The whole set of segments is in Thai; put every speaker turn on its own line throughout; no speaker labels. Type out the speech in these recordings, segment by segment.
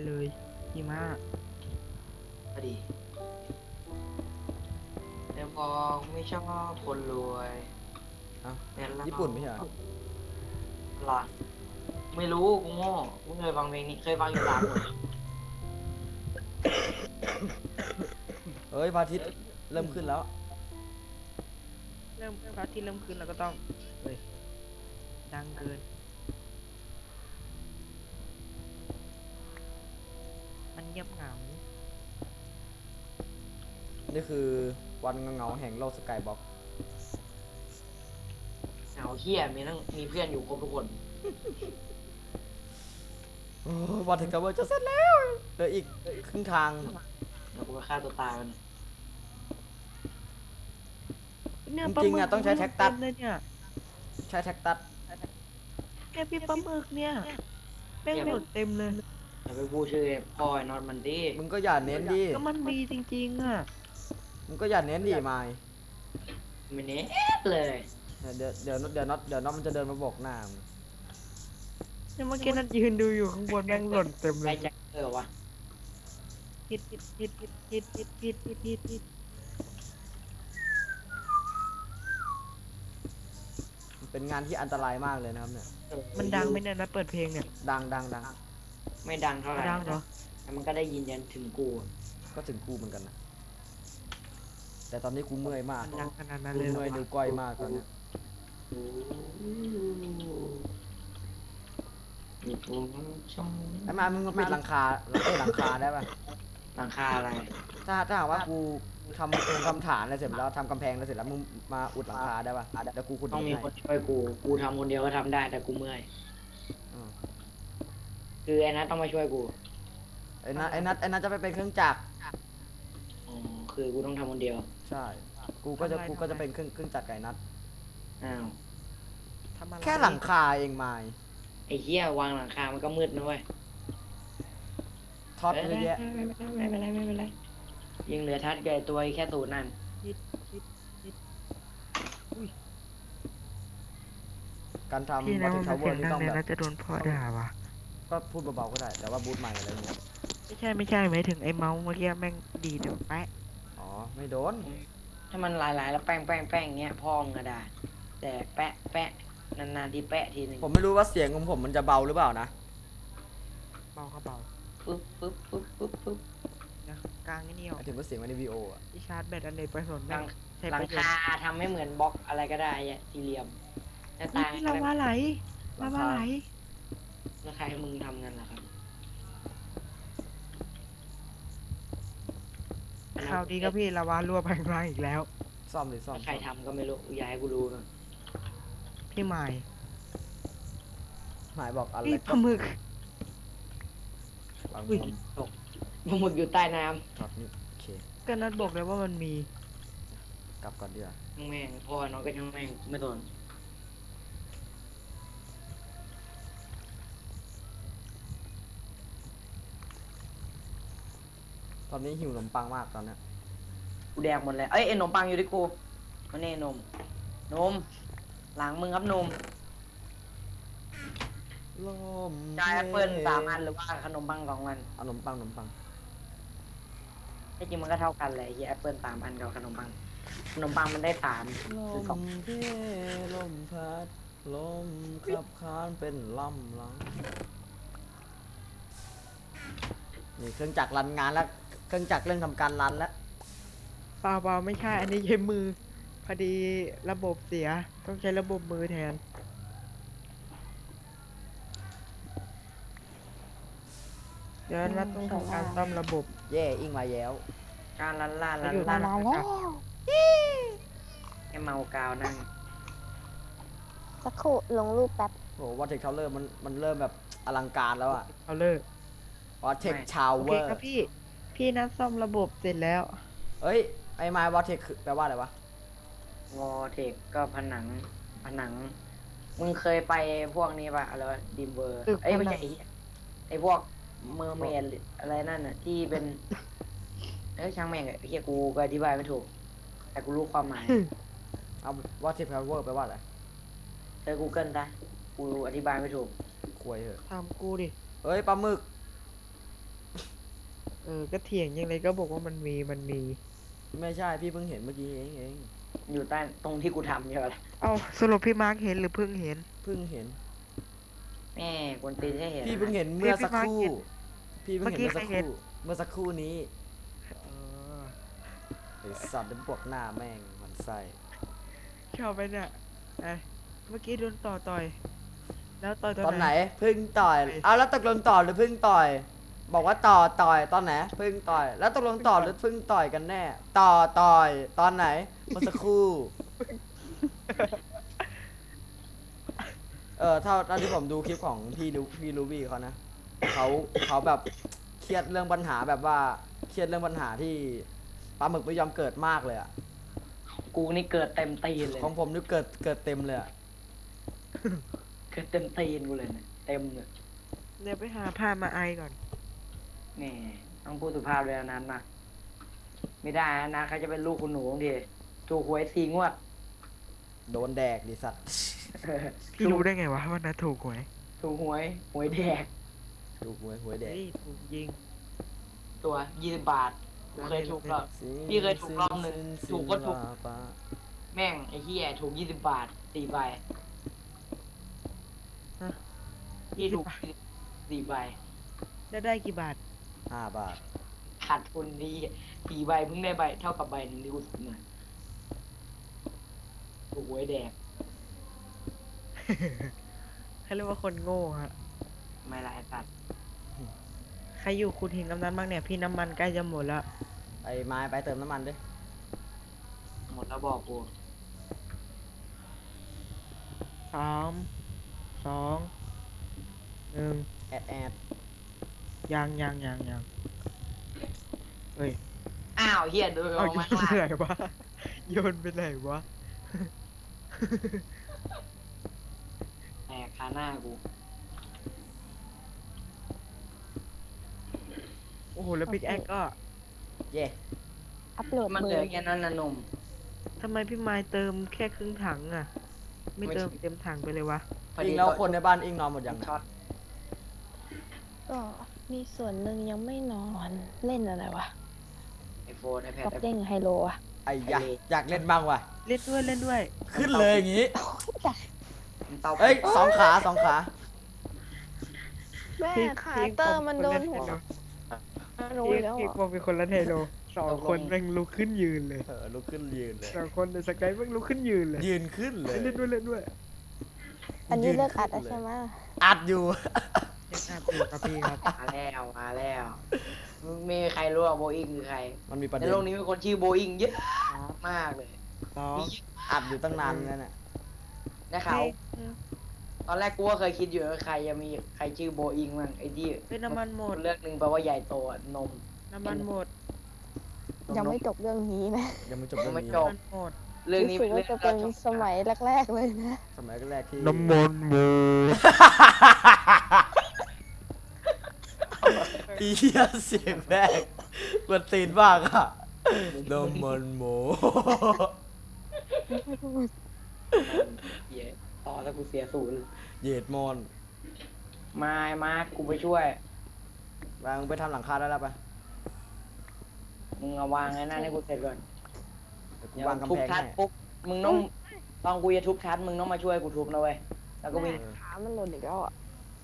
เลยดีมาก
พอดีแต่พอไม่ชอบคนรวย
เอ้า
แต่เรา
ญี่ปุ่นไม่ใช่เหรอ
หรอไม่รู้กูโง่กูเคยฟังเพลงนี้เคยฟังอยู่3 คน
เอ้ยพระอาทิตย์เริ่มขึ้นแล้ว
เริ่มพระอาทิตย์เริ่มขึ้นแล้วก็ต้องเฮ้ยดังเกินมันเงียบเหงา
นี่คือวันเงาๆแห่งโลกสกายบ็อกซ์
เหงาเฮี้ยมีเพื่อนอยู่ครบทุกคน
วันถึงกับว่าจะเสร็จแล้วเหลืออีกครึ่งทาง
แล้วกูก็ฆ่าตัวตายมัน
เนี่ย
จริงๆอะต้องใช้แท็กตัส
เต็มเลยเนี่ย
ใช้แท็กตัส
เนี่ยพี่ปลาหมึกเนี่ยแม่งหมดเต็มเลย
อย่าไปพูดชื่อพ่อไอ้น็อตมันดิ
มึงก็อย่าเน้นดิ
ก็มันมีจริงๆอ่ะ
มึงก็อย่าเน้นดิไมค์
ไม่เน็ตเลย
เดี๋ยวน็อตมันจะเดินมาบอกหน้ามึง
เนี่ยเมื่อกี้นัดยืนดูอยู่ข้างบนแม่งหล่นเต็ม
ใค
เล
ร
ย
จะวะ
ผิดผิดผิดผิดผิดผิดผิดผิดผิดผิด
มันเป็นงานที่อันตรายมากเลยนะครับเนี่ย
มันดังไหมเนี่ยนัดเปิดเพลงเนี่ย
ดัง
ไม่ดังเท่าไหร่
ดังเหรอ
แต่มันก็ได้ยินยันถึงกู
ก็ถึงกูเหมือนกันนะ แต่ตอนนี้กูเมื่อยมาก
มันดังขนาดนั้น
กู
เลยเหร
เมื่อย
อ
นิ้วก้อยมากตอนเนี้ย
มีตัวช่อง
ไอ้มามึงมาปิดหลังคาหลังคาได้ป่ะ
หลังคาอะไร
ถ้าหากว่ากูทำตรงคำฐานอะไรเสร็จแล้วทำกำแพงอะไรเสร็จแล้วมึงมาอุดหลังคาได้ป่ะเดี๋ยวกูขุด
ต้องมี
ให้
คนช่วยกูทำคนเดียวก็ทำได้แต่กูเมื่อย
อืม
คือไอ้นัทต้องมาช่วยกู
ไอ้นัทจะไปเป็นเครื่องจักร
อ๋อคือกูต้องทำคนเดียว
ใช่ กูก็จะเป็นเครื่องจักรไก่นัท
อ้าว
ทำอะไร
แค่หลังคาเองไมค์
ไอ้เหี้ยวางหลังคามันก็มืดนะเว้ย
ท็อปเยอะแยะ
ไม่เป็นไรยิงเหลือทัดใหญ่ตัวแค่ตูดนั่น
ผิดผิดผิด
การทำ
พี่
วั
นะ
ตถุ
มัน
ทาวเวอ
เสีย
ร์
ง
นี่
ดั
ต้อง งแบบ
เลยนะจะโดนพ่อด่าว่ะ
ก็พูดเบาๆก็ได้ แต่ว่าบูทใหม่อะไรเงี้ย
ไม่ใช่หมายถึงไอ้เมาส์เมื่อกี้แม่งดีเดี๋ยวแปะ
อ๋อ ไม่โดน
ถ้ามันหลายๆแล้วแป้งเงี้ยพ่อมึงก็ได้แต่แปะนานๆที่แปะทีหนึ่ง
ผมไม่รู้ว่าเสียงของผมมันจะเบาหรือเปล่านะ
เบาก็เบา
ปึ๊บ
นะกลางไอ้นี่
ห
ออก
มายถึงว่าเสียงในวิดีโออะ
ที่ชาร์จแบตอันเนกประสงค์
ห
แม่
ลั
ง
ง
ใช้
หลั
ป
ง
ระโยช
คา
น์
ทำให้เหมือนบล็อกอะไรก็ได้อะสี่เหลี่ยมหน้าต่าง
นี่ลาวาไหลลาวาไหล
แล้วใครให้มึงทำกันล่ะครับ
ข่าวดีครับพี่ลาวารั่วไปข้างล่างอีกแล้ว
ซ่อมดิซ่อม
ใครทำก็ไม่รู้อย่าให้กูรู้นะ
พี่ใหม่
หมายบอกอะไร
พี่ปลาหมึก
วาง
อุ้ย
ตกปลาหมึกอยู่ใต้น้
ช็อตนี้โอเค
ก็นัดบอกเลยว่ามันมี
กลับก่อนดีกว่า
ำแม่งพ่อน้องก็ช่างแม่งไม่สน
ตอนนี้หิวขนมปังมากตอนเนี้ย
กูแดกหมดแล้วเอ้ยไอ้ขนมปังอยู่ที่กูมาเน่นมหลังมึงครับนม
ลม
จ่ายแอปเปิ้ล3 อันหรือว่าขนมปัง2 อัน
เอาขนมปัง
ที่จริงมันก็เท่ากันแหละไอ้แอปเปิ้ล3 อันกับขนมปังมันได้3
ล
คือ
มเพลมพัดลมขับคานเป็นลำลังนี่เครื่องจักรรันงานแล้ว เครื่องจักรเริ่มทำการรันแล้ว
เปล่าไม่ใช่ อันนี้ใช้มือ พอดีระบบเสีย ต้องใช้ระบบมือแทน เดี๋ยวนัดต้องทำการซ่อมระบบ
เย่อิงมาแย้ว
การลันล่า
ไปอยู่
ล่า
มาแล้ว
ให้เมากาวนั่ง
สักครู่ลงรูปแป๊บ
โหวัตเทคทาวเวอร์มันเริ่มแบบอลังการแล้วอะ
เอาเลิก
วัตเทคทาว
โอ
เว
เค
อร์
ครับพี่ พี่นัดซ่อมระบบเสร็จแล้ว
เอ้ย ไอ้ไม้วัตเทคแปลว่าอะไรวะ
วอเทคก็ผนังมึงเคยไปพวกนี้ป่ะอะไรวะดิมเวอร์
ตึก
เอ้ยไม่
ผนั
ใช่
ง
ไอ้พวกเมอร์เมดอะไรนั่นน่ะที่เป็นช่างแม่งไอ้เหี้ยกูก็อธิบายไม่ถูก แต่กูรู้ความหมาย
เอาวัตเทคทาวเวอร์แปลว่าอะไร
เจอ Google ซะกูอธิบายไม่ถูก
ควยเหอะ
ทำกูดิ
เอ้ยปลาหมึก
ก็เถียงยังไงก็บอกว่ามันมี
ไม่ใช่พี่เพิ่งเห็นเมื่อกี้เอง
อยู่ใต้ตรงที่กูทำใช่ไหมล่ะ
เอ้าสรุปพี่มาร์คเห็นหรือเพิ่งเห็น
เพิ่งเห็น
แม่กวนตีนให้เห็น
พี่เพิ่งเห็นเมื่อสักครู่
พี่
พี่เพิ่งเห็น
เมื่อกี้ใครเห็น
เมื่อสักครู่นี้
เออ
ไอสัตว์เดินปวกหน้าแม่งมันไส้
ชอบไปเนี่ยไอ้เมื่อกี้โดนต่อย แล้วต่อย
ตอนไหนเพิ่งต่อยเอาแล้วตกลงต่อหรือเพิ่งต่อย บอกว่าต่อยตอนไหนเพิ่งต่อย แล้วตกลงต่อหรือเพิ่งต่อยกันแน่ต่อยตอนไหนเมื่อสักครู่เท่าที่ผมดูคลิปของพี่ลูบี้เขานะเขาแบบเครียดเรื่องปัญหาแบบว่าเครียดเรื่องปัญหาที่ปลาหมึกไม่ยอมเกิดมากเลยอะ
กูนี่เกิดเต็มตีนเลย
ของผมนี่เกิดเต็มเลยอะ
เกิดเต็มตีนกูเลยเนี่ยเต็มเลย
เดี๋ยวไปหาผ้ามาไอก่อน
แหม่ต้องพูดสุภาพเลยนะนั้นนะไม่ได้นะเขาจะเป็นลูกคุณหนูดิถูกหวย4 งวด
โดนแดกดิสัตว์
พี่รู้ได้ไงวะว่านาถูกหวย
ถูกหวยแดก
ดูหวยแดก
เฮ้ยถูกยิง
ตัว20 บาทกูเคยถูกรอบ พี่เคยถูกรอบหนึ่งถูกก็ถูก แม่งไอ้เหี้ยถูก20 บาท4 ใบ
ฮะ
พี่ถูก4 ใบ
ได้กี่บาท
5 บาท
ขาดทุนดี4 ใบเพิ่งได้ใบเท่ากับใบหนึ่งที่กูซื้อมาถูกหวยแดก
เขาเรียกว่าคนโง่ฮะ
ไม่ละไอ้ตัด
ใครอยู่คุณเห็นกำนันบ้างเนี่ย พี่น้ำมันใกล้จะหมดแล้ว
ไอ้ไม้ไปเติมน้ำมันด้วย
หมดแล้วบอกกู
3 2 1
แอด
ยังเฮ้ย
อ้าวเหี้ยดู
เอา
เอา
โย
มาน ข้าง
ไป
ล่าง
ไหนวะ โยนไปไหนวะ
แตกคาหน้ากู
โอ้โห แล้วพิกแอคก็
เย่
อัปโหลด
มัน
มื
เหลื
อ
อแค่นั้นนะหนุ่ม
ทำไมพี่ไม้เติมแค่ครึ่งถังอ่ะ ไม่เติม
ไม่
เต็มถังไปเลยวะ
อิงแล้วคนในบ้านอิงนอนหมดยัง
ช็อต
ก็มีส่วนหนึ่งยังไม่นอนเล่นอะไรวะ
ไอโฟนไอแพด
กับ
ไอ
เด้งไฮโลอะ
ไอ้อยากเล่นบ้างว่ะ
เล่นด้วย
ขึ้นเลยอย่างงี้
เตา
เอ้ย2 ขา 2 ขา
แม่
พี่
ขาเตอร์มันโดนหัวรู้
พี่
แล้ว
พี่
เหร
บ
อ
อกเป็นคนละเทโล2 คนแม่งลุกขึ้นยืนเลย
ลุกขึ้นยืนเลย
2 คนในสกายแม่งลุกขึ้นยืนเลย
ยืนขึ้นเลย
เล่นด้วย
อันนี้เลิกอัดแล้วใช่ไหม
อัดอยู่
ยังอาบอยู่ครับพี่ครับ
มาแล้วมึงมีใครรู้ว่าโบอิงคือใคร
มันมีประ
ใน
เด็น
โลกนี้มีคนชื่อโบอิงเยอะมากเลย
2
มี
อัดอยู่ตั้งนานแล้วเนี่ย
ได้ข่าวตอนแรกกูก็เคยคิดอยู่ว่าใครจะมีใครชื่อโบอิงมั่งไอ้ที่
เป็นน้ำมันหมด
เลือกหนึ่งแปลว่าใหญ่โตอะนม
น้ำมันหมด
ยังไม่จบเรื่องนี้นะ
ยังไม่จบเรื่อง
ไม่
นี้
จบ
น้ำมันหมด
เรื่องนี้
รู้สึกว่าจะเป็นสมัยแรกๆเลยนะ
สมัยแรกที่
น้ำมันหมด
อีเหี้ยเสียงแรกกวนตีนมากอะน้ำมันหมู
เหี้ยต่อแล้วกูเสียศูนย์
เหยียดมอน
มากูไปช่วย
วางไปทำหลังคาได้แล้วปะ
มึงเอาวางไอ้นั่นให้กูเสร็จก่อน
เดี๋ยวกู
เดี๋ยว
วางกำ
ทุบ
แพง
ทัด
ให้
ปุ๊บมึงต้องตอนกูจะทุบทัดมึงต้องมาช่วยกูทุบนะเว้ยแล้วก็วิ่ง
ขามันหล่นอีกแล้วอ่ะ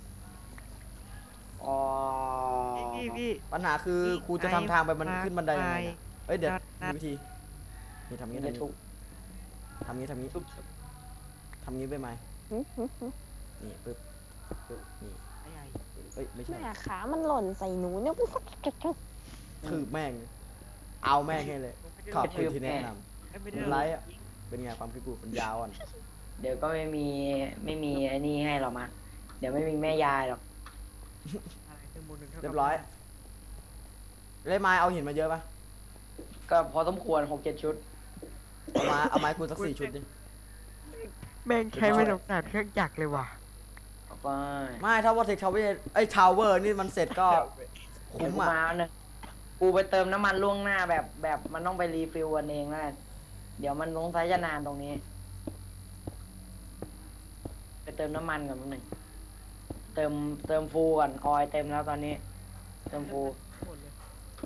อ๋อ
พี่
ปัญหาคือกูจะทำทางไปมันขึ้นบันไดยังไง
ไป
เนี่ยเอ้ยเดี๋ยว
นัด
มีวิธีนี่ทำ
มึ
งี้
งจะทุบ
ทำงี้
ทุบ
ทำงี้ไปไหม
หึหึหึ
นี่ปึ๊บนี่
ใหญ่
เอ้ยไม่ใช่
แม่ขามันหล่นใส่หนูเนี่ย
คือแม่ง เอาแม่งให้เลย ขอบคุณที่แนะน
ไม่
ำ
ได้
ไลฟ์อ่ะ เป็นไงความคิดกูมันยาวอ่ะ
เดี๋ยวก็ไม่มีไอ้นี่ให้หรอกมาเดี๋ยวไม่มีแม่ยายหรอก
เรียบร้อยเล่ไม้เอาหินมาเยอะปะ
ก็พอสมควร6-7 ชุด
เอาไม้กูสัก4 ชุดดิ
แม่งใช้ไม่ต้องการเครื่องจักรเลยว่ะ
เอาไป
ไม่ถ้าว่าเทคทาวเวอร์ไอ้ทาวเวอร์นี่มันเสร็จก็
เดี๋ยว
คุ้ม
กู
อ่ะ
มาเอาหนึ่งกูไปเติมน้ำมันล่วงหน้าแบบมันต้องไปรีฟิลกันเองนะเดี๋ยวมันลงสายจะนานตรงนี้ ไปเติมน้ำมันก่อนนิดหนึ่งเติมฟูก่อนออยล์เต็มแล้วตอนนี้ เติมฟู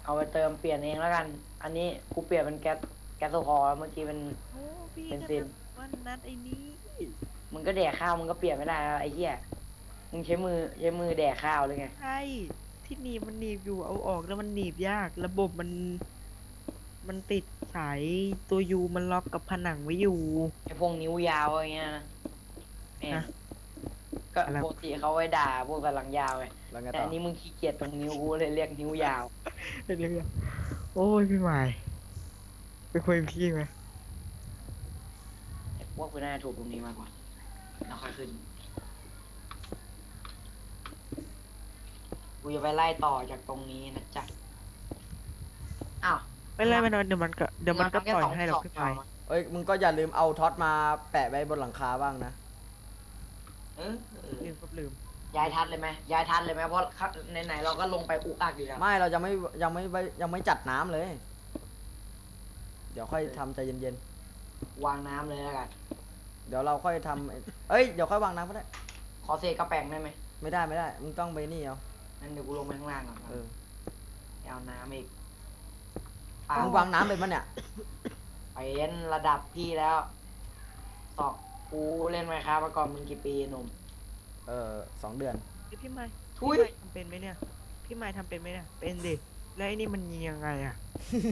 เอาไปเติมเปลี่ยนเองแล้วกัน อันนี้กูเปลี่ยนเป็นแก๊สโซฮอล์แล้วเมื่อกี้เป็น
โอ้พี่
เป็น
ก็
ซิน
วันนั้นไอ้นี้
มึงก็แดกข้าวมึงก็เปลี่ยนไม่ได้แล้วไอ้เหี้ยมึงใช้มือแดกข้าวเลยไง
ใช่ที่หนีบมันหนีบอยู่เอาออกแล้วมันหนีบยาก ระบบมันติดสายตัวยูมันล็อกกับผนังไว้อยู่
ไอ้พวกนิ้วยาวอย่างเงี้ยนะเนี่ย
ฮะ
ก็
อะไร
ปกติเขาไว้ด่าพวกกำลังยาวไง
แล้วไง
แต่
ต่อ
อันนี้มึงขี้เกียจตรงนิ้วกูเลยเรียกนิ้วยาว
เดี๋ยวๆโอ้ยพี่หมายไปคุยกับพี่ไหม
ไอ้พวกกูน่าจะถูกตรงนี้มากกว่าแล้วค่อยขึ้นกูจะไปไล่ต่อจากตรงนี้นะจ๊ะอ้าว
ไม่ไรไม่นอนเดี๋ยวมันก็ปล่อยให้เราพี่หมาย
เอ้ยมึงก็อย่าลืมเอาท็อตมาแปะไว้บนหลังคาบ้างนะ
เออ
ลืมก็ลืม
ย้ายทัดเลยไหมย้ายทัดเลยไหมเพราะไหนๆเราก็ลงไปอุกอักอยู่แล้ว
ไม่เรายังไม่จัดน้ำเลย เดี๋ยวค่อยทำใจเย็น
วางน้ำเลยแล้วกัน
ๆเดี๋ยวเราค่อยทำเอ้ยเดี๋ยวค่อยวางน้ำก็ได้
ขอเศษกระแปงได้ไหม
ไม่ได้มึงต้องไปนี่เอา
งั้นเดี๋ยวกูลงไปข้างล่างก่อน
เออ
เอาน้ำอีก
มึงวางน้ำเป็นปะเนี่ย
เป็นระดับพี่แล้วสอบกูเล่นไมค์ครับมาก่อนมึงกี่ปีหนุ่ม
2 เดือน
พี่หมาย
ทุย
พี่หมายทำเป็นไหมเนี่ยพี่หมายทำเป็นไหมเนี่ยเป็นดิแล้วไอ้นี่มันยิงยังไงอ่ะ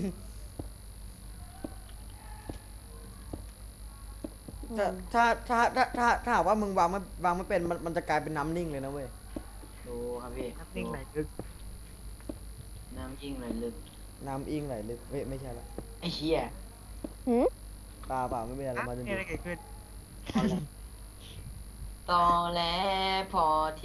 ถ้าหากว่ามึงวางไม่เป็นมันจะกลายเป็นน้ำนิ่งเลยนะเว้ย
ดูครับพี่
นับนิ่งไหลลึก
น้ำยิ่งเลยลึก
น้ำอิงไหลลึกเฮ้ยไม่ใช่ละ
ไอ้เหี้ย
หืม
เปล่าไม่เป็นไรเรามาจน
มีอะไรเกิดขึ้น
เอาละตอแหลพอที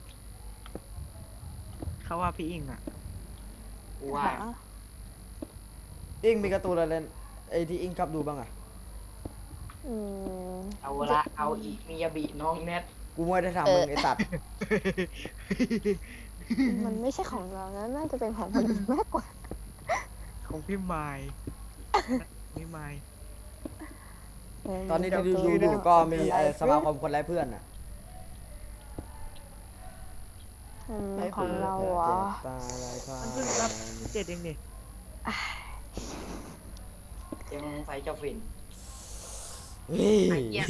เขาว่าพี่อิงอ่ะ
กูว่า
หา
อิงมีการ์ตูนอะไรเล่นไอ้ที่อิงชอบดูบ้างอะ
อืม
เอาละเอาอีกมียาบีน้องแนท
กูไม่ได้ทำมึงไอ้สัตว์
มันไม่ใช่ของเรานะน่าจะเป็นของคนอื่นมากกว่า
ของพี่ไมายพี่ไมาย
ตอนนี้ที่ดูอยู่ก็มีสมาคมคนไร้เพื่อนอะ
ของเราเหรอ
ตาลายพา
มันเพิ่งรับ7เองนี่
ยังใส่เจ้าฝิ่น
เฮ้ย
ไอ้เหี้ย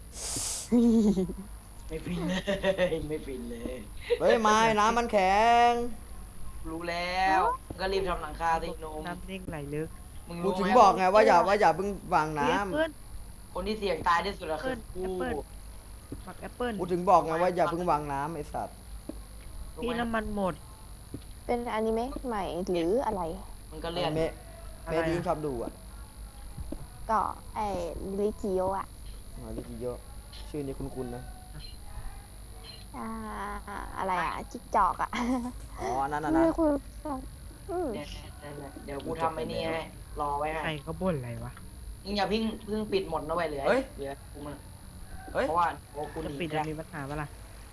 ไม่ฟินเลย ไม่ฟินเลย
เฮ้ยไม้น้ำมันแข็ง
รู้แล้วก็รีบทำหลังคาสิหนุ่ม
น้ำนิ่งไหลลึก
มึง
กู
รู้
ถึง
ไหม
บอกไงว่าอย่าเพิ่งวางน้
แอปเปิ้ล
คนที่เสี่ยงตายที่สุดอะคือกู
แอปเปิ้ล ฝักแอปเปิ้ล
ำกูถึงบอกไงว่าอย่าเพิ่งวางน้ำไอ้สัตว์
รู้
พี่
ไหม
น้ำมันหมด
เป็นอนิเมะใหม่หรืออะไร
มันก็เลื่อน
เมะ
อะไร
เมะ
อะ
ที่อิงชอบดูอะ
ก็ไอ้ลิกิโยอะ
อ๋อลิกิโยะชื่อนี้คุ้นๆนะ
อ่าอะไรอะจิกจอกอะ
อ๋ออันนั้นนะ
ไม่คุณ
เนี่ยเดี๋ยวกูทำไอ้นี่ให้รอไว้ให้
ใครก็บ่นอะไรวะ
มึงอย่าเพิ่งปิดหมดนะเว้ยเหลือเหลือกูมา
เฮ้ย
เพราะว่าโอ้กู
จะ
หนี
ปิด
แล้
จะ
ว
มีปัญหาปะล่ะ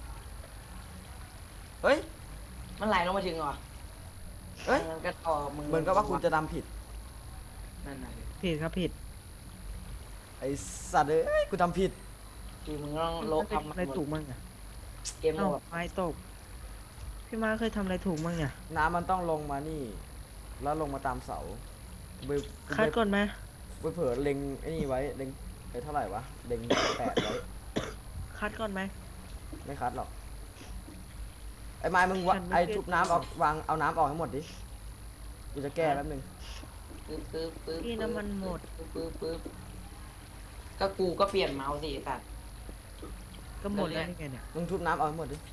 เฮ้ย
มันไหลลงมาถึงเหรอ
เอ้ย
มันก็ต่อมึง
เหมือนกับว่าคุณจะทำผิด
นั่นน่ะ
ผิดครับผิด
ไอ้สัตว์เอ้ยกูทำผิด
คือมึงต้องโลบทำ
อะไรถูกมั่งอ่ะ
เกมโห
เอ้าม
ด
ไม้ตก พี่มาเคยทำอะไรถูกมั่งเนี่ย
น้ำมันต้องลงมานี่ แล้วลงมาตามเสาไป
คัดก่อนไหม
ไปเผลอเล็งไอ้นี่ไว้เล็งไปเท่าไหร่วะเล็ง8ไว้
คัดก่อนไหม
ไม่คัดหรอกไอ้ไม้มึงวะ
ฉันไม่
ไอ้
ได้
ทุบน้ำออกวางเอาน้ำออกให้หมดดิกูจะแก้แป๊บนึง
ปึ๊บ
พี่น้ำมันหมด
ปึ๊บก็กูก็เปลี่ยนเมาส์สิไอ้สัตว์
ก็หมดแล้วนี่ไงเนี่ย
มึงทุบน้ำออกให้หมดดิ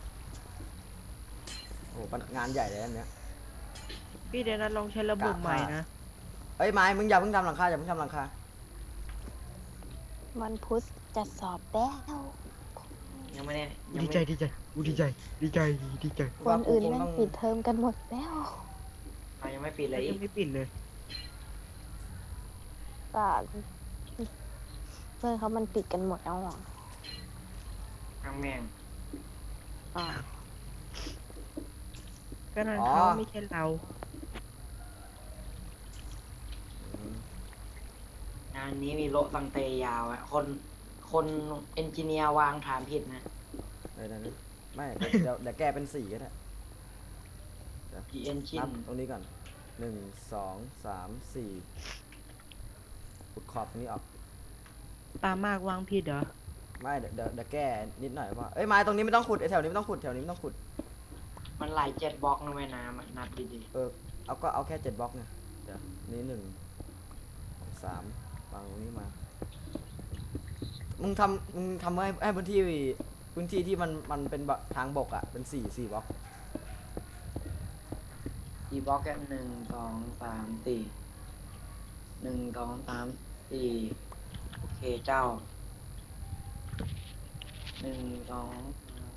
โอ้โหงานใหญ่เลยอันเนี้ย
พี่เดี๋ยวนั้นลองใช้ระบบใหม่นะ
เอ้ยไม้มึงอย่าเพิ่งทำหลังคาอย่าเพิ่งทำหลังคา
วันพุธจะสอบแล้ว
ยังไม่ได้ยัง
ดี
ไม่
ใจดีใจกูดีใจดีใจดีใจ
คนอื่นแม่งปิดเทอมกันหมดแล้ว
ยังไม่ปิดเลย
ยังไม่ปิดเลย
ก็เพื่อนเขามันปิดกันหมดแล้วอ่ะ
ทางแม่ง
อ่า
ก็นั่นเขาไม่ใช่เรา
งานนี้มีโละตังเตยาวอะคนเอนจิเนียร์วางฐานผิดนะ
เออนั่นไม่เดี๋ยวแก้เป็น4ก็ได้
พีเอนจิ
นั
น
บตรงนี้ก่อน 1 2 3 4ขุดขอบตรงนี้ออก
ตามากวางผิดเหรอ
ไม่เดี๋ยวแก้นิดหน่อยว่าเอ้ยไม้ตรงนี้ไม่ต้องขุดไอ้แถวนี้ไม่ต้องขุดแถวนี้ไม่ต้องขุด
มันไหล7 บล็อกนะแม่น้ำอะนับดี
เอาแค่7 บล็อกเนี่ยเดี๋ยวนี้1 3วางตรงนี้มามึงทำให้พื้นที่ที่มันเป็นทางบกอ่ะเป็น4 บล็อก
ๆกี่บล็อกแค่1 2 3 4 1 2 3 4โอเคเจ้า1 2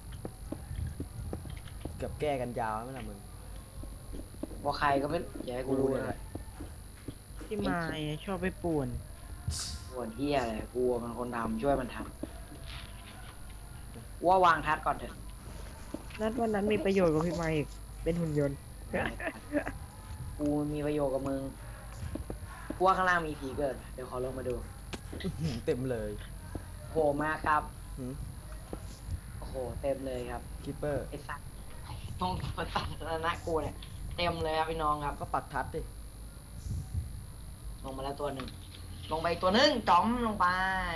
เกือบแก้กันยาวไม่ล่ะมึง
ว่าใครก็ไม่อย่าให้กูรู้เลย
ที่มาชอบไปป่วน
ปวดเฮียอะไรกูมันคนทำช่วยมันทำว่าวางทัดก่อนเถอะ
นัดวันนั้นมีประโยชน์กับพี่ไมค์อีกเป็นหุ่นยนต์
กูมีประโยชน์กับมึงกูว่าข้างล่างมีผีเกิด เดี๋ยวขอลงมาดู
เต็มเลย
โผล่มาครับ
หืม
โอ้โหเต็มเลยครับ
คิปเปอร์
ไอ้สัตว์ตรงประสาทนะกูเนี่ยเต็มเลยครับพี่น้องครับ
ก็ปักทัดดิ
ลงมาแล้วตัวหนึ่งลงไปอีกตัวหนึ่งจ๋อมลงไป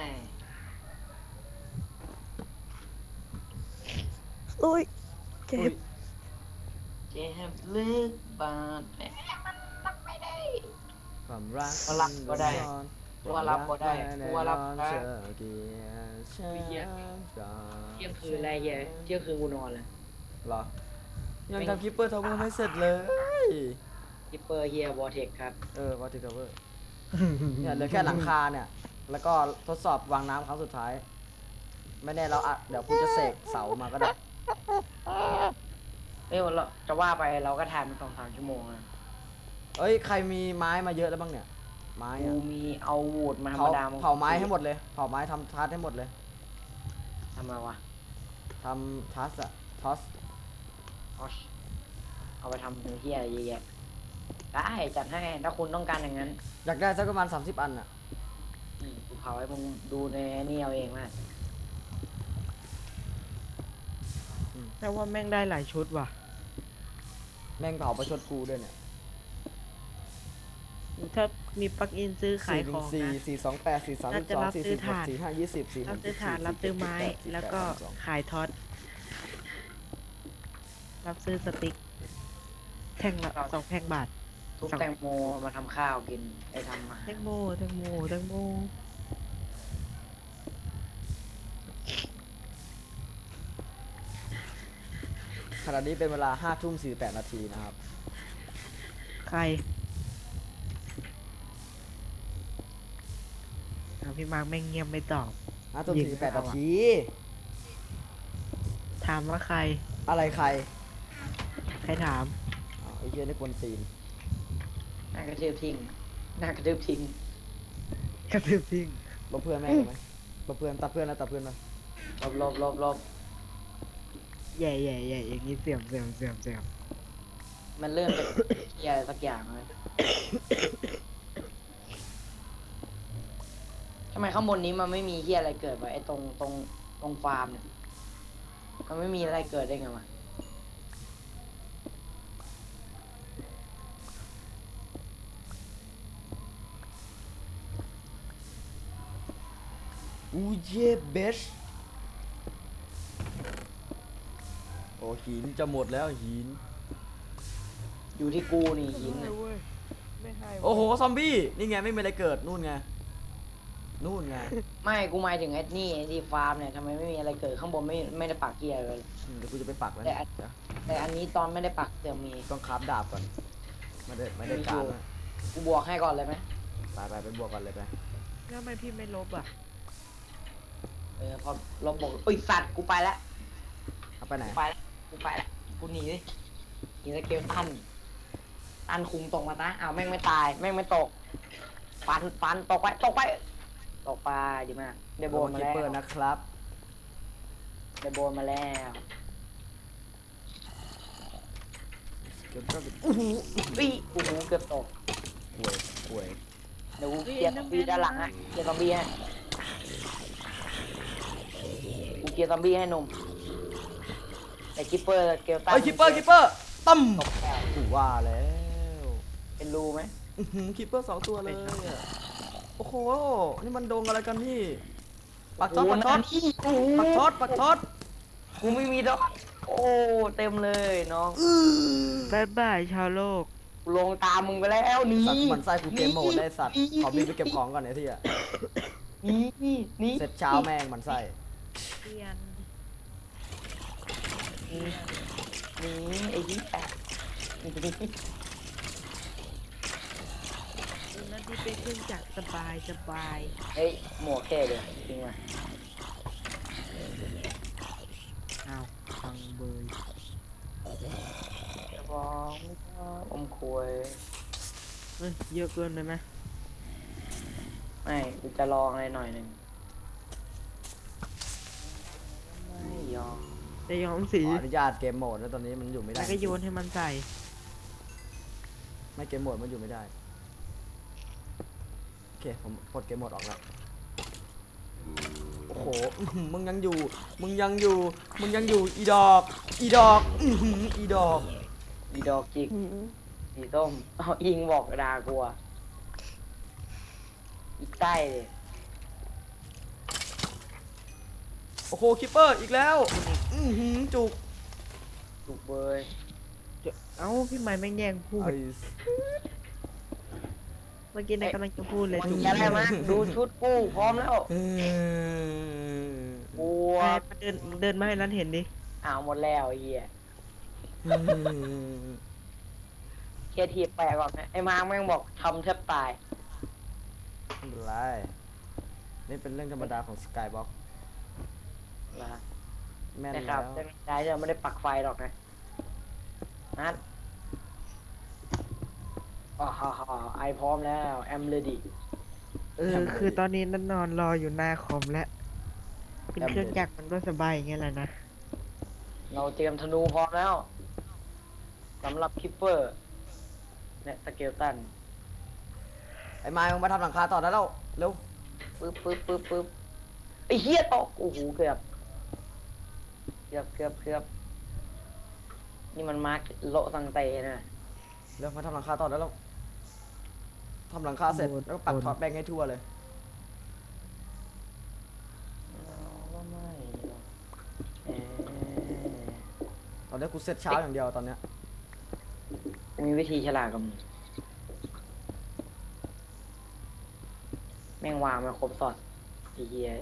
อุ้ยเจ็
อุ๊
บ
ย
เจ็บลึกบาดแผลมันรับไม่ได้
ความรัก
ก็รับก็ได้
ซ่อน
ว่ารับก็ได้ว่ารับก็ได้
เธอเกลียดฉันก่อน
เที่ยงคืนอะไรเงี้ยเที่ยงคืนกูนอนเลย
เหรอยังทำคิปเปอร์ทาวเวอร์ไม่เสร็จเลย
คิปเปอร์เฮียวอเทคครับ
วอเตอร์ทาวเวอร์เนี่ยเหลือแค่หลังคาเนี่ย แล้วก็ทดสอบวางน้ำครั้งสุดท้าย ไม่แน่เราเดี๋ยวกูจะเสกเสามาก็ได้
เอ้ยเราจะว่าไปเราก็ถ่ายมัน2-3 ชั่วโมงนะ
เอ้ยใครมีไม้มาเยอะแล้วบ้างเนี่ย ไม้
กู
อะ
มีเอาวูดมาธรร
เผาม
ดา
เผาไม้ให้หมดเลยเผาไม้ทำทัสให้หมดเลย
ทำไมวะ
ทำทัสอะทอส
เอาไปทำเฮียอะไรเยอะแยะได้จัดให้ถ้าคุณต้องการอย่างนั้น
อยากได้สักประมาณ30 อันอะ
กูเผาให้มึงดูในนี่เอาเองนะ
แต่ว่าแม่งได้หลายชุดว่ะ
แม่งเผาประชดกูด้วยเนี่ย
ถ้ามีปลั๊กอินซื้อขายของ
4
นะ
1 4 4 2 8 4 3
น่าจะรับ
2 4
ซื้อ
4
ถ่าน
6 4 5 20 4
รับ
6
ซื้อถ่านรับซื้อไม้แล้วก็ขายท็อตรับซื้อสติ๊กแท่งละ2 แท่งบาท
ทุบแตงโมมาทำข้าวกินไอ้ทำมา
แตงโมแตงโมแตงโม
ขณะนี้เป็นเวลา5 ทุ่ม 48 นาทีนะครับ
ใครพี่มาร์คแม่งเงียบไม่ตอบ
5 ทุ่ม 48 นาที
ถามว่าใคร
อะไรใคร
ใครถาม
อ้าวไอ้เหี้ยนี่กวนตีน
หน้ากระทืบทิ้งหน้ากระทืบทิ้ง
กระตือซิ่ง
ลบเพื่อนแม่งเลยไหมลบเพื่อนตัดเพื่อนแล้วตัดเพื่อนมา
ลบ
แย่อย่างนี้เสียม
มันเริ่มจากเฮียอะไรสักอย่างเลยทำไมข้างบนนี้มันไม่มีเฮียอะไรเกิดวะไอ้ตรงฟาร์มเนี่ยมันไม่มีอะไรเกิดได้ไงวะ
อูเย่เบชโอ้หินจะหมดแล้วหิน
อยู่ที่กูนี่หินน่ะ
ไม่ให้
โอ้โห ซอมบี้ นี่ไง ไม่มีอะไรเกิด นู่นไง นู่นไง
ไม่กูหมายถึงไอ้นี่ไอ้ที่ฟาร์มเนี่ยทำไมไม่มีอะไรเกิดข้างบนไม่ได้ปักเกียร์เลย
เดี๋ยวกูจะไปปักแล้ว
แต่
เนี่ย
อัน
เดี๋ยว
แต่อันนี้ตอนไม่ได้ปักเดี๋ยวมี
ต้องคราฟดาบก่อน ไม่ได้การนะ
กูบวกให้ก่อนเลยไหม
ไปบวกกันเลยไป
แล้วทำไมพี่ไม่ลบอ่ะ
พอลบบวกเอ้ยสัตว์กูไปแล้ว
เอาไปไหน
กูไปแล้วกูหนีดิหนีสเกลตันคุมตกมาตะอ้าวแม่งไม่ตายแม่งไม่ตกฟันตกไปดีมากได้โบนมา
คิป
แล้ว
เปอร์นะครับ
ได้โบนมาแล้ว
เก็บก็เป็นอู้หู
อุ้ยโอ้โหเกือบตก
ห่วย
เดี๋ยวกูเคลียร์ซอมบี้ด้านหลังฮะเคลียร์ซอมบี้ให้กูเคลียร์ซอมบี้ให้หนุ่มแต่คิปเปอร์เกลตัน
เฮ้ยคิปเปอร์ตั้ม
ตกแล้ว
กูว่าแล้ว
ไอเป็นรูไหม
คิปเปอร์2 ตัวเลยอะโอ้โห นี่มันดงอะไรกันนี่ ปักท็อต
โโห
ปักท็อต
นที่โอ้โห
ปักท็อตปักท็อต
กูไม่มีดอกโอ้เต็มเลยน้อง
บายบายชาวโลก
กูลงตามมึงไปแล้วหนี่
สัตว์มันไส้กูเกมโหมดได้สัตว์ ขอบินไปเก็บของก่อนไอ้ที่อะ
นี่
เสร็จเช้าแม่งมันไส้
เปลี่ยน
นี่ไอ้ที่แปะ
นั่นที่เป็นเครื่องจักรสบายสบาย
เฮ้ยหมวกแค่เลยจริงไหม
อ้าวฟังเบย
จะบอกไม่ชอบอมควย
เฮ้ยเยอะเกินไปไหม
ไม่กูจะลองอะไรหน่อยหนึ่งไม่ยอม
จะยอมสี
ขออนุญาตเกมโหมดนะตอนนี้มันอยู่ไม่ได้
แล้วก็โยนให้มันใส่
ไม่เกมโหมดมันอยู่ไม่ได้ โอเค ผมปลดเกมโหมดออกแล้ว โอ้โห มึงยังอยู่ มึงยังอยู่ มึงยังอยู่ อีดอก อีดอก อีดอก
อีดอกจิก
หืม
สีส้มเอาอิงบอกด่ากลัวอีใต้เลย
โอ้โห คิปเปอร์อีกแล้ว จุก
ถูกเบย
เอ้าพี่ไม้แม่งแย่งพูด
ไอ้
เมื่อกี้นายกำลังจะพูดเลย
มัน
ถูก
จะได้ไหมดูชุดกูพร้อมแล้ว
เออ
บัว
ไปเดินมาให้นั้นเห็นดิ
อ้าวหมดแล้วไอ้เหี้ยเคลียร์ทีบแปลก่อนนะไอ้มาร์คแม่งบอกทำแทบตาย
ไม่เป็นไร นี่เป็นเรื่องธรรมดาของสกายบ็อก
นะ
แม่น
นะครั
แล้
บ
ว
ได้จะไม่ได้ปักไฟหรอกนะนัดอ๋อฮ่าฮ่าไอพร้อมแล้วแอมเลดี้
คือตอนนี้นั่นนอนรออยู่หน้าคอมแล้วเป็นเครื่องจักรมันก็สบายอย่างเงี้ยแหละนะ
เราเตรียมธนูพร้อมแล้วสำหรับคิปเปอร์และสเกลตัน
ไอ้ไม้มึงมาทำหลังคาต่อได้แล้ว เร็ว
ปึ๊บไอ้เหี้ยตกโอ้โหเกือบนี่มันมาร์กโละสังเตนะ
เร็วมาทำหลังคาต่อได้แล้วทำหลังคาเสร็จแล้วก็ปักท็อปแบงให้ทั่วเลย
ว่าไม่หรอก
ตอนนี้กูเสร็จเช้าอย่างเดียวตอนเนี้ย
มีวิธีฉลาดกับมึงแม่งวางมาครบสอดไอ้เหี้ย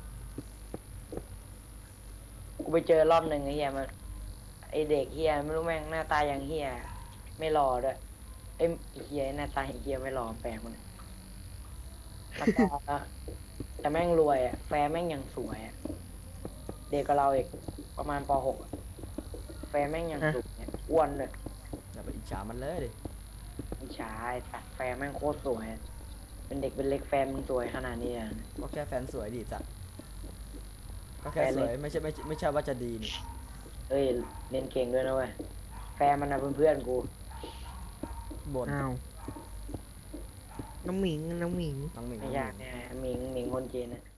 กูไปเจอรอบหนึ่งไอ้เหี้ยมันไอเด็กเหี้ยไม่รู้แม่งหน้าตาอย่างเหี้ยไม่รอด้วยไอ้เหี้ยหน้าตาอย่างเหี้ยไม่รอแปลกมันแล้วก็แต่แม่งรวยอะแฟนแม่งยังสวยอะเด็กกับเราอีกประมาณป .6 อะแฟนแม่งยังสวยอะอ้วนเลย
อย่าไปอิจฉามันเลยดิ
ไม่ใช่แต่แฟนแม่งโคตรสวยอะเป็นเด็กเป็นเล็กแฟนมึงสวยขนาดนี้อะ
ก็แค่แฟนสวยดีจ้ะก็แค่
แฟน
ส
เล็
ว
ก
ยไม่ใช่ว่าจะดีนี่
เอ้ยเล่นเก่งด้วยนะเว้ยแฟนมันนะเพื่อนๆกู
บ่น
อ้าวน้องหมิง
น้องหมิง
ไม่ยากเนี่ยหมิงคนจีนนะ